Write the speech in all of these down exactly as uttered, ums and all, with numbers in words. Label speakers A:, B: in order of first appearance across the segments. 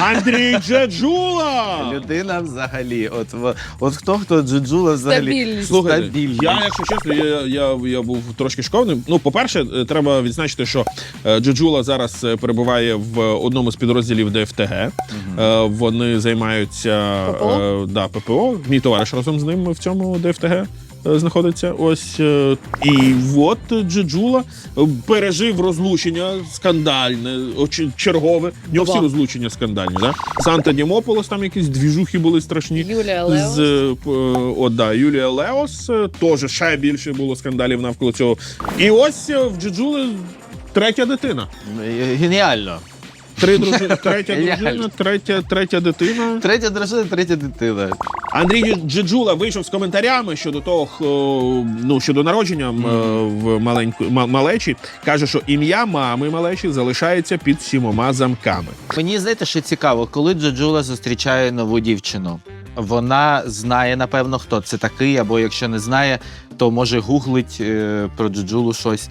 A: Андрій Джеджула!
B: Людина взагалі. От, в- от хто, хто Джеджула взагалі.
C: Стабільність.
A: Слухайте,
B: Стабільність.
A: я, якщо чесно, я, я, я був трошки шокований. Ну, по-перше, е, треба відзначити, що е, Джеджула зараз е, перебуває в одному з підрозділів ДФТГ. Е, Вони займаються
C: ППО?
A: е, да, ППО. Мій товариш разом з ним в цьому ДФТГ е, знаходиться. Ось. е, І от Джеджула е, пережив розлучення скандальне, очі- чергове. В нього всі
C: Два.
A: розлучення скандальні. Да? Санта Дімополос, там якісь двіжухи були страшні.
C: Юлія Леос.
A: З, е, п- е, от, да, Юлія Леос, е, теж ще більше було скандалів навколо цього. І ось е, в Джеджули третя дитина.
B: Геніально.
A: Три дружини, третя
B: Геніально.
A: дружина, третя, третя дитина.
B: Третя дружина, третя дитина.
A: Андрій Джеджула вийшов з коментарями щодо того, хо- ну, щодо народження м, е, в маленьку, ма- малечі. Каже, що ім'я мами малечі залишається під сімома замками.
B: Мені, знаєте, що цікаво, коли Джеджула зустрічає нову дівчину, вона знає, напевно, хто це такий, або якщо не знає, то може гуглить е, про Джеджулу щось.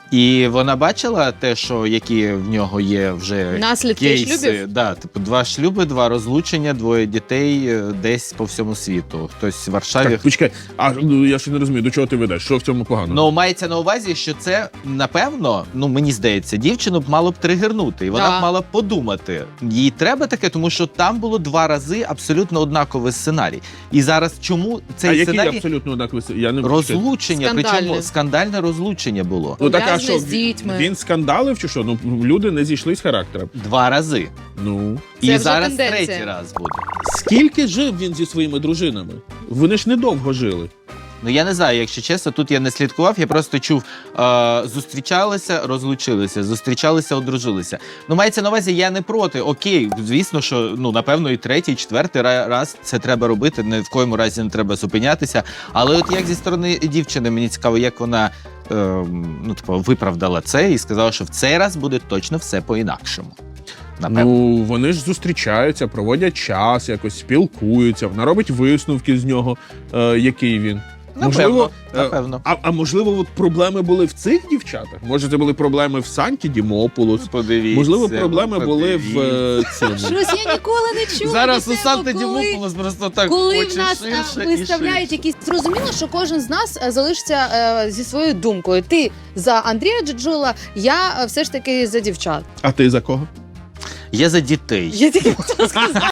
B: І вона бачила те, що які в нього є вже
C: Наслідки
B: кейси.
C: шлюбів?
B: Да, типу, два шлюби, два розлучення, двоє дітей е, десь по всьому світу. Хтось в Варшаві.
A: Так, почекай, а ну, я ще не розумію, до чого ти ведеш? Що в цьому погано?
B: Ну, мається на увазі, що це, напевно, ну, мені здається, дівчину б мало б тригернути, і вона
C: Да.
B: б мала б подумати. Їй треба таке, тому що там було два рази абсолютно однаковий сценарій. І зараз чому
A: а
B: цей
A: який
B: сценарій?
A: абсолютно однаковий? Я не
B: Розлучення,
C: Скандальне.
B: причому скандальне розлучення було.
A: Ну так, а
C: Пов'язане
A: що,
C: з дітьми.
A: він скандалив чи що? Ну, люди не зійшли з характером.
B: Два рази.
A: Ну.
B: І
C: Це вже
B: зараз
C: тенденція.
B: третій раз буде.
A: Скільки жив він зі своїми дружинами? Вони ж недовго жили.
B: Ну я не знаю, якщо чесно, тут я не слідкував, я просто чув, е, зустрічалися, розлучилися, зустрічалися, одружилися. Ну, мається на увазі, я не проти. Окей, звісно, що ну напевно і третій, і четвертий ра- раз це треба робити. Ні в коєму разі не треба зупинятися. Але от як зі сторони дівчини, мені цікаво, як вона е, ну, типу, виправдала це і сказала, що в цей раз буде точно все по-інакшому. Напевно.
A: Ну, вони ж зустрічаються, проводять час, якось спілкуються, вона робить висновки з нього, е, який він.
B: Напевно,
A: е,
B: напевно.
A: А, а можливо, от проблеми були в цих дівчатах? Може, це були проблеми в Санті Дімополос?
B: Подивіться.
A: Можливо, проблеми були в
B: подивіться.
A: е, цьому.
C: Щось я ніколи не чула.
B: Зараз
C: до
B: у
C: цього,
B: Санта
C: коли-
B: Дімополос просто так
C: Коли
B: хоче
C: в нас
B: ширше
C: а,
B: і
C: виставляють
B: ширше.
C: якісь, зрозуміло, що кожен з нас е, залишиться е, зі своєю думкою. Ти за Андрія Джеджула, я е, все ж таки за дівчат.
A: А ти за кого?
B: Я за дітей.
C: Я тільки хотіла сказати.